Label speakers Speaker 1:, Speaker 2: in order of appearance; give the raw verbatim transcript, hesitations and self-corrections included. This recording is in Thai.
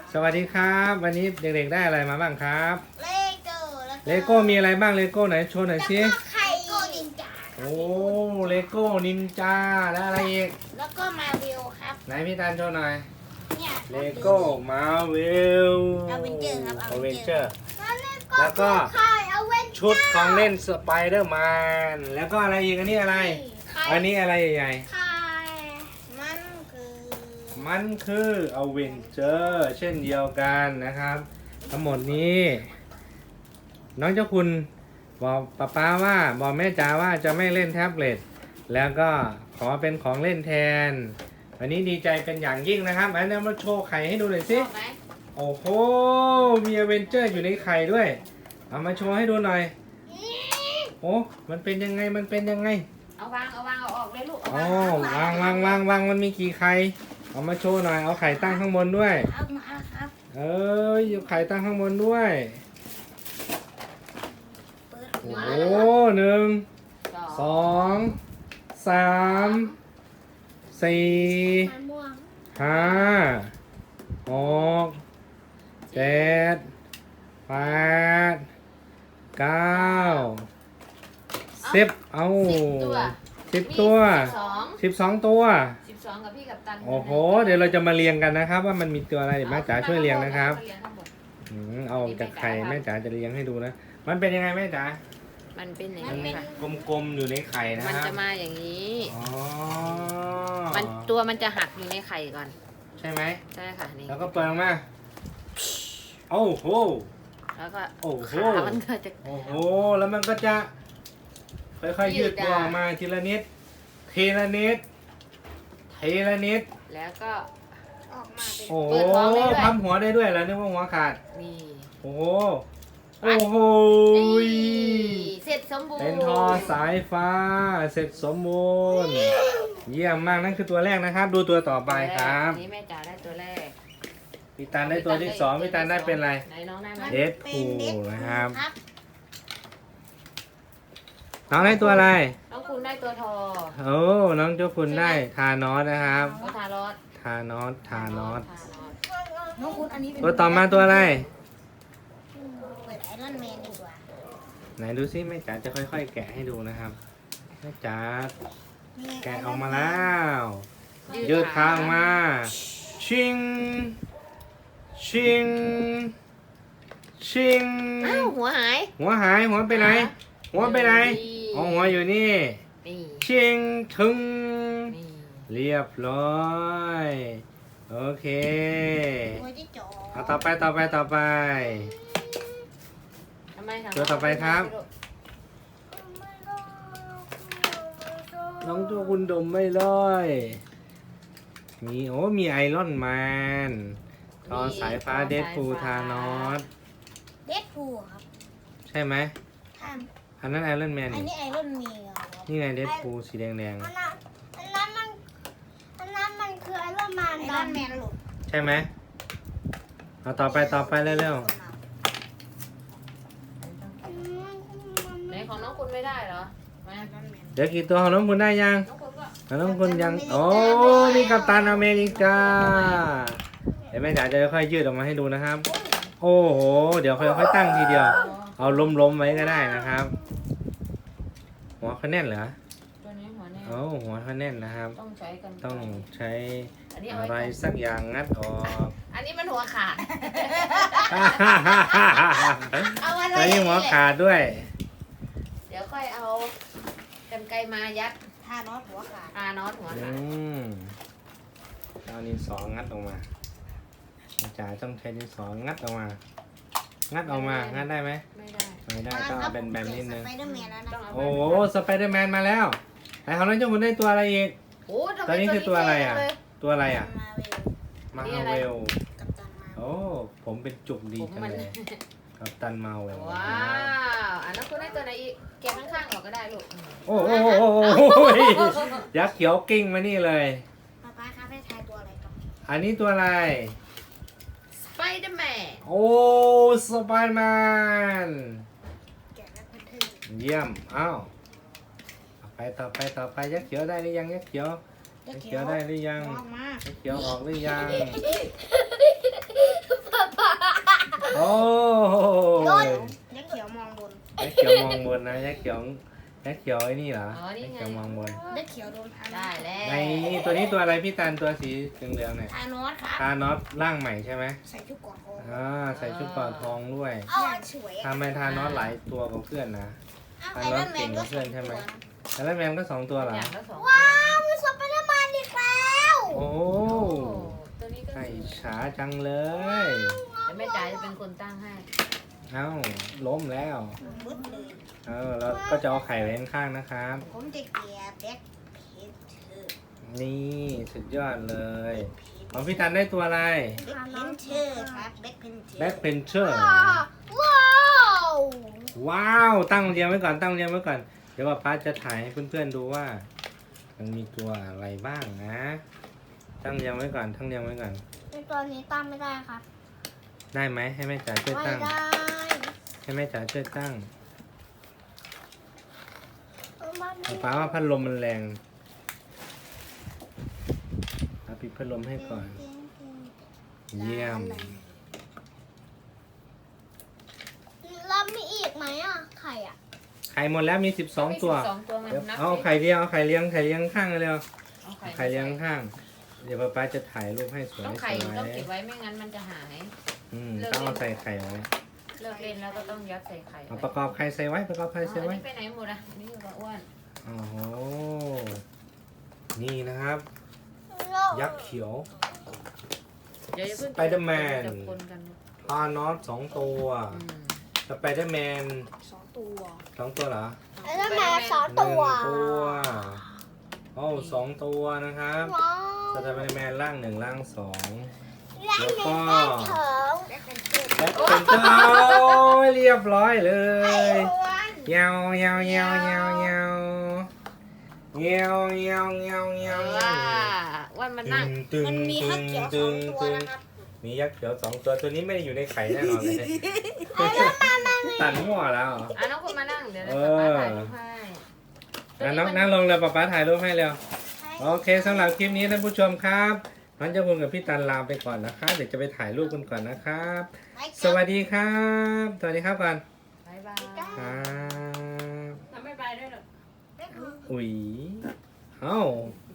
Speaker 1: สวัสดีครับวันนี้เด็กๆได้อะไรมาบ้างครับ
Speaker 2: เลโก้แล้ว
Speaker 1: เลโก้มีอะไรบ้างเลโก้ไหนโชว์หน่อยสิ
Speaker 2: แล้วก็ไข่โก้นินจา
Speaker 1: โอ้เลโก้นินจาแล้วอะไรอีก
Speaker 2: แล้วก็มาวิวครับ
Speaker 1: ไหนพี่ตาลโชว์หน่อย
Speaker 2: เนี่ย
Speaker 1: เลโก้มาเวล
Speaker 2: Avenger ครับ
Speaker 1: อเวนเจอ
Speaker 2: Avenger
Speaker 1: ร์ แล้วก็
Speaker 2: ไข่เอาเวน
Speaker 1: ชุดของเล่นสไปเดอร์แมนแล้วก็อะไรอีกอันนี้อะไร อันนี้อะไรใหญ่
Speaker 2: ไข่มันคือ
Speaker 1: ๆมันคืออเวนเจอร์เช่นเดียวกันนะครับ ทั้งหมดนี้ น้องเจ้าคุณบอกป้าป้าว่าบอกแม่จ๋าว่าจะไม่เล่นแท็บเล็ตแล้วก็ขอเป็นของเล่นแทน วันนี้ดีใจเป็นอย่างยิ่งนะครับอันนี้มาโชว์ไข่ให้ดูหน่อยสิ
Speaker 2: ชอบไหม
Speaker 1: โอ้โหมีอเวนเจอร์อยู่ในไข่ด้วย เอามาโชว์ให้ดูหน่อยโอ้มันเป็นยังไงมันเป็นยังไง
Speaker 2: เอาวางเอาวางเอาออกเลยลูก
Speaker 1: อ๋อวางวางวางวางมันมีกี่ไข่เอามาโชว์หน่อยเอาไข่ตั้งข้างบนด้วย
Speaker 2: เอามาครับ
Speaker 1: เอ้ยเอาไข่ตั้งข้างบนด้วย
Speaker 2: เปิด
Speaker 1: โอ้
Speaker 2: หัว
Speaker 1: โหหนึ่งสองสามสี่
Speaker 2: มะม่วง
Speaker 1: ห้าหกเจ็ดแปดเก้าสิบเอาสิบตัว
Speaker 2: สอง
Speaker 1: สิบสองตัว
Speaker 2: สิบสองกับพี่กับตัน
Speaker 1: โอ้โหเดี๋ยวเราจะมาเรียงกันนะครับ ว่ามันมีตัวอะไรเดี๋ยวแม่จ๋าช่วยเรียงนะครับ
Speaker 2: เรียงข้างบน
Speaker 1: อืมเอาจากไข่แม่จ๋าจะเรียงให้ดูนะมันเป็นยังไงแม่จ๋า
Speaker 3: มันเป็นอย่าง
Speaker 1: มัน
Speaker 3: นี้ค่ะ
Speaker 1: กลมๆอยู่ในไข่นะ
Speaker 3: มัน
Speaker 1: ครับ
Speaker 3: จะมาอย่างนี้
Speaker 1: อ๋อ
Speaker 3: มันตัวมันจะหักอยู่ในไข่ก่อน
Speaker 1: ใช่ไหม
Speaker 3: ใช่ค่ะนี่
Speaker 1: แล้วก็เปิดออกมาโอ้โห
Speaker 3: แล้วก็
Speaker 1: โอ้โห
Speaker 3: ขามันก็จะ
Speaker 1: โอ้โหแล้วมันก็จะค่อยๆยืดตัวออกมาทีละนิดทีละนิดทีละนิด
Speaker 3: แล้วก็
Speaker 2: ออกมาเป็น
Speaker 1: โอ้โห
Speaker 3: เปิดท้องได้ด้วย
Speaker 1: พับหัวได้ด้วยแล้วนึกว่าหัวขาด
Speaker 3: นี่
Speaker 1: โอ้โหโอ้โห
Speaker 3: นี่เสร็จสมบูรณ์
Speaker 1: เป็นทอสายฟ้าเสร็จสมบูรณ์เยี่ยมมากนั่นคือตัวแรกนะครับ ดูตัวต่อไปครับ
Speaker 3: นี่แม่จ๋าได้ตัวแรก
Speaker 1: พี่ตันได้ตัวที่สองพี่ตันได้เป็นอะไร
Speaker 3: ไหนน้องได้ไหม
Speaker 1: เดดพูลนะครับ
Speaker 2: ครับ
Speaker 1: น้องได้ตัวอะไร
Speaker 3: น้องคุณได้ตัวทอ
Speaker 1: โอ้น้องเจ้าคุณได้ทานอสนะครับ
Speaker 3: ก็ทารอส
Speaker 1: ทานอสทานอส
Speaker 3: ทารอส
Speaker 2: น้องคุณอันนี้เป็น
Speaker 1: ตัวต่อมาตัวอะไร
Speaker 2: เปิดไอรอนแมนดีกว่า
Speaker 1: ไหนดูซิแม่จ๋าจะค่อยๆ แกะให้ดูนะครับแม่จ๋าแกะออกมาแล้วยืดขาออกมาชิงชิงชิง
Speaker 3: อ้าวหัวหาย
Speaker 1: หัวหายหัวไปไหน หัวไปไหนอ๋อหัวอยู่นี่
Speaker 3: นี่
Speaker 1: ชิงถึง
Speaker 3: นี่
Speaker 1: เรียบร้อยโอเค
Speaker 2: หัวที่จ่อ
Speaker 1: เอาต่อไปต่อไปต่อไป
Speaker 3: ทำไมถึง
Speaker 1: ตัวต่อไปครับ น้องตัวคุณดมไม่ร้อยมีโอ้มีไอรอนแมนทอสายฟ้าเดดพูลทานอส
Speaker 2: เดดพูลครับ
Speaker 1: ใช่ไหม
Speaker 2: ท่าน
Speaker 1: อันนั้นไอรอนแมน
Speaker 2: อัน
Speaker 1: นี่
Speaker 2: นี้ไอรอนแมนครับ
Speaker 1: นี่ไงเดดพูลสีแดง
Speaker 4: อันนั้นอันนั้นมันอันนั้นมันคือไอรอนแมน
Speaker 2: ไอรอนแมนลูก
Speaker 1: ๆใช่ไหมเอาต่อไปต่อไปเร็ว
Speaker 3: ไหนของน้องคุณไม่ได้เหรอมา
Speaker 1: ๆเดี๋ยวกี่ตัวของน้องคุณได้ยัง
Speaker 3: น้องคุณก็
Speaker 1: ของน้องคุณยังโอ้มีกัปตันอเมริกาเดี๋ยวแม่จ๋าจะค่อยๆยืดออกมาให้ดูนะครับ โอ้โหเดี๋ยวค่อยๆตั้งทีเดียว เอาล้มๆไว้ก็ได้นะครับ หัวเขาแน่นเหรอ
Speaker 3: ตัวนี้หัวแน่
Speaker 1: โอ้หัวเขาแน่นนะครับ
Speaker 3: ต้องใช้กัน
Speaker 1: ต้องใช้
Speaker 3: อันนี้เอา
Speaker 1: อะไร
Speaker 3: ไว้ก่อน
Speaker 1: สักอย่างงัดออก
Speaker 3: อันนี้มันหัวขาด เอาไว้
Speaker 1: แล้วนี่หัวขาดด้วย
Speaker 3: เดี๋ยวค่อยเอากันไกรมายัด
Speaker 2: ท่านอสหัวขาด
Speaker 3: อานอสหัว
Speaker 1: อื
Speaker 3: ขาด
Speaker 1: มเอาดินสองัดออกมาจ๋าต้องใช้ดินสองัดออกมา งัดออกมา งัดได้ไหม
Speaker 3: ไม่ได้
Speaker 1: ไม่ได้ต้องเอาเป็นแบบนิดนึง
Speaker 2: สไปเดอร์แมนแล้วนะ
Speaker 3: ต้องเอา
Speaker 1: โอ้โหสไปเดอร์แมนมาแล้วไหนของน้องเจ้าคุณได้ตัวอะไรอีก
Speaker 3: โอ้ทำไม
Speaker 1: ตัวนี้คือตัวอะไรอ่ะ
Speaker 3: เท่เลย
Speaker 1: ตัวอะไรอ่ะ
Speaker 2: มาเวล
Speaker 1: มาเวล
Speaker 2: กับตันมา
Speaker 1: โอ้ผมเป็นจุกดี
Speaker 3: ผม
Speaker 1: จัง
Speaker 3: มัน
Speaker 1: เลยกับตันมาเวล
Speaker 3: ว้าวอันนั้นคุณได้ตัวไหนอีกแกะข้างๆออกก็ได้ลูก
Speaker 1: โอ้โหโอ้โหโอ้โหยักษ์เขียวกิ้งมานี่เลย
Speaker 2: ป๊าป๊าครับให้ทายตัวอะไรครับ
Speaker 1: อันนี้ตัวอะไร
Speaker 3: สไปเดอร์แมน
Speaker 1: โอ้สไปเดอร์แมน
Speaker 2: แกะแล้วเพื่อน
Speaker 1: เยี่ยมอ้าวต่อไปต่อไปต่อไปยักษ์เขียวได้หรือยังยักษ์เขียว
Speaker 2: ๆ
Speaker 1: ยักษ์เขียวได้หรือยัง
Speaker 2: ออกมา
Speaker 1: ยักษ์เขียวออกหรือยัง
Speaker 3: ป
Speaker 1: โอ้ย
Speaker 2: ยักษ์เขียวมองบน
Speaker 1: ยักษ์เขียวมองบนนะยักษ์เขียวยักษ์เขียวไอ้นี่เหรอ
Speaker 3: อ๋อนี่
Speaker 1: ยักษ์
Speaker 3: ไง
Speaker 1: เขียวมองบน
Speaker 2: ยักษ์เขียวโดนทาน
Speaker 3: ได้แล้ว
Speaker 1: ในตัวนี้ตัวอะไรพี่ตันตัวสีเหลืองๆเนี่ย
Speaker 2: ทานอสครับ
Speaker 1: ทานอสร่างใหม่ใช่ไหม
Speaker 2: ใส่ชุดเกราะทอง
Speaker 1: อ่าใส่ชุดเกราะทองด้วย
Speaker 2: เอาสวย
Speaker 1: ทำไมทานอสหลายตัวกว่าเพื่อนนะ
Speaker 2: เอาไอรอนแมนก็สองตัว
Speaker 1: แล้วแมนก็สองตัวเหรอ
Speaker 3: อย่างละสอง
Speaker 4: ว้าวมีสไปเดอร์แมนอีกแล้ว
Speaker 1: โอ้
Speaker 3: โอ้ตัวนี้ก็
Speaker 1: ไก่ช้าจังเลย
Speaker 3: แต่แม่จ๋าจะเป็นคนตั้งให้
Speaker 1: เอ้าล้มแล้ว
Speaker 2: บึ้ดเลย
Speaker 1: เออแล้วก็จะเอาไข่ไว้ข้างๆนะครับ
Speaker 2: ผมจะเกลียแบ็คเพชร
Speaker 1: นี่สุดยอดเลยของพี่ตันได้ตัวอะไร
Speaker 2: แบ็คเพนเชอร์ครับแบ็คเพนเชอร์
Speaker 1: แบ็คเพนเชอร์
Speaker 4: ว้าว
Speaker 1: ว้าว ตั้งเรียงไว้ก่อนตั้งเรียงไว้ก่อน เดี๋ยวป้าจะถ่ายให้เพื่อนๆดูว่า มันมีตัวอะไรบ้างนะ ตั้งเรียงไว้ก่อนตั้งเรียงไว้ก่อน
Speaker 4: ในตัวนี้ตั้งไม่ได้ครับ
Speaker 1: ได้ไหมให้แม่จ๋าช่วย
Speaker 4: ไม่
Speaker 1: ตั้ง
Speaker 4: ได้
Speaker 1: ให้แม่จ๋าช่วยตั้ง
Speaker 4: มันไม่
Speaker 1: ป้าว่าพัดลมมันแรงเอาปิดพัดลมให้ก่อน เยี่ยม
Speaker 4: แล้วมีอีกไหมอ่ะไข่อ่ะ
Speaker 1: ไข่หมดแล้วมีสิบสองตัว
Speaker 3: สองตัวมัน
Speaker 1: เดี๋ยว
Speaker 3: นับ
Speaker 1: เอาไข่เลี้ยงเอาไข่เลี้ยงไข่เลี้ยงข้างเร็ว
Speaker 3: เอา
Speaker 1: ไข่เลี้ยงข้าง เดี๋ยวป้าจะถ่ายรูปให้สวย
Speaker 3: ต้อง
Speaker 1: ส
Speaker 3: ไข่
Speaker 1: วย
Speaker 3: ต้องเก็บไว้ไม่งั้นมันจะหาย
Speaker 1: อืมต้องเอาใส่ไข่ไว้
Speaker 3: เลิกเล่นแล้วก็ต้องยัดใส่ไข่
Speaker 1: เอาประกอบไข่ใส่ไว้ประกอบไข่
Speaker 3: อ๋อ
Speaker 1: ใส่
Speaker 3: อัน
Speaker 1: ไว้
Speaker 3: นี้ไปไหนหมดอ่ะอันนี่อยู่กับอ้วน
Speaker 1: โอ้โหนี่นะครับ ยักษ์เขียว
Speaker 3: เดี๋ยวอย่าเพิ่ง
Speaker 1: Spider-Man
Speaker 3: จะคนกัน
Speaker 1: พานอสสองตัว
Speaker 3: อืม
Speaker 1: สไปเดอร์แมน
Speaker 2: สองตัว
Speaker 1: สองตัวเหรอ
Speaker 4: แล้วแม่สอง
Speaker 1: หนึ่ง
Speaker 4: ตัว
Speaker 1: ตัวโอ้สองตัวนะครับ
Speaker 4: ว้า
Speaker 1: สไปเดอร์แมนร่างหนึ่งร่างสอง
Speaker 4: และ
Speaker 1: แล้ว
Speaker 4: มี
Speaker 1: ก็
Speaker 4: แม่เถิง
Speaker 2: แบ็คเพนเชอร์
Speaker 1: และเป็นเจ้าเรียบร้อยเลย
Speaker 2: อ้วน
Speaker 1: เงาเงาเงาเงาเงาเงาเงาเงาเงา
Speaker 3: ว่าอ้วนมานั่ง
Speaker 1: ตึง
Speaker 2: มันมี
Speaker 1: ตึ
Speaker 2: ฮั
Speaker 1: ง
Speaker 2: กเขียวส
Speaker 1: ตึ
Speaker 2: อง
Speaker 1: ง
Speaker 2: ตัว
Speaker 1: ตึง
Speaker 2: นะครับ
Speaker 1: มียักษ์เขียวสองตัวตัวนี้ไม่ได้อยู่ในไข่แน่นอนเลยตัดมั่วแล้ว
Speaker 3: อ่ะน้องคุณมานั่งเดี๋ยวเรา
Speaker 1: เอ
Speaker 3: จะ
Speaker 1: อ
Speaker 3: มาถ่ายรูปให้
Speaker 1: อ่ะน้องนั่งลงเลยป๊าป๊าถ่ายรูปให้เร็วโอเคสำหรับคลิปนี้ท่านผู้ชมครับน้องเจ้าคุณกับพี่ตันลาไปก่อนนะคะเดี๋ยวจะไปถ่ายรูปกันก่อนนะครับ สวัสดีครับสวัสดีครับก่อน
Speaker 3: บ๊ายบาย
Speaker 1: ครับ
Speaker 3: ทำไม่ไปด้วยหรอ
Speaker 1: อุ๊ยเอ้า